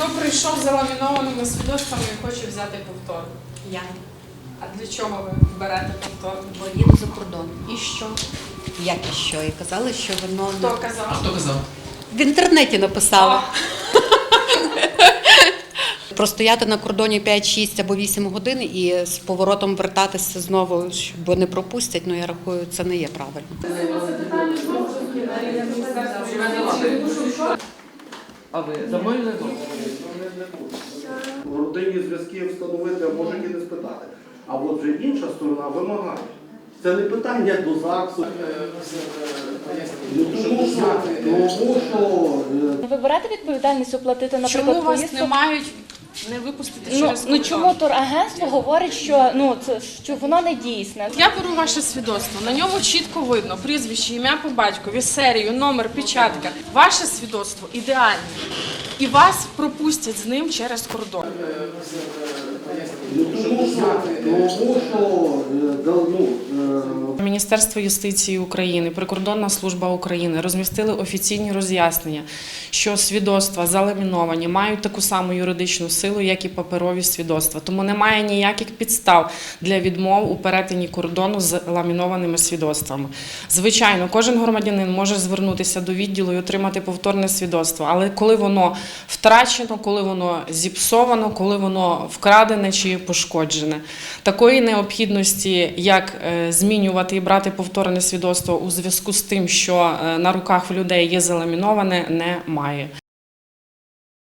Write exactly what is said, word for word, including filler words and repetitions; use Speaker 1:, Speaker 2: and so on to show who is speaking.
Speaker 1: прийшов з заламінованими свідоцтвами і хоче взяти повтор?
Speaker 2: Я.
Speaker 1: А для чого ви берете повтор?
Speaker 2: Бо їду за кордон.
Speaker 1: І що?
Speaker 2: Як і що? І казали, що воно
Speaker 1: Хто казав?
Speaker 3: Хто казав?
Speaker 2: в інтернеті написала. Простояти на кордоні п'ять, шість або вісім годин і з поворотом вертатися знову, бо не пропустять, ну я рахую, це не є правильно.
Speaker 3: А ви замовили?
Speaker 4: В родині зв'язки встановити, а можуть і не спитати. А от вже інша сторона вимагає. Це не питання до ЗАГСу. Ну, тому що, тому що е,
Speaker 5: Ви берете відповідальність оплатити, наприклад,
Speaker 1: Чому вас
Speaker 5: поїздку?
Speaker 1: не мають не випустити
Speaker 5: Ну,
Speaker 1: через
Speaker 5: ну
Speaker 1: кордон?
Speaker 5: чому турагентство говорить, що ну це що воно не дійсне?
Speaker 1: Я беру ваше свідоцтво, на ньому чітко видно прізвище, ім'я по батькові, серію, номер, печатка. Ваше свідоцтво ідеальне. І вас пропустять з ним через кордон.
Speaker 4: ну, тому що, тому що е, да, ну, е,
Speaker 1: Міністерство юстиції України, Прикордонна служба України розмістили офіційні роз'яснення, що свідоцтва заламіновані мають таку саму юридичну силу, як і паперові свідоцтва. Тому немає ніяких підстав для відмов у перетині кордону з ламінованими свідоцтвами. Звичайно, кожен громадянин може звернутися до відділу і отримати повторне свідоцтво, але коли воно втрачено, коли воно зіпсовано, коли воно вкрадене чи пошкоджене. Такої необхідності, як е, змінювати і брати повторне свідоцтво у зв'язку з тим, що е, на руках в людей є заламіноване, немає.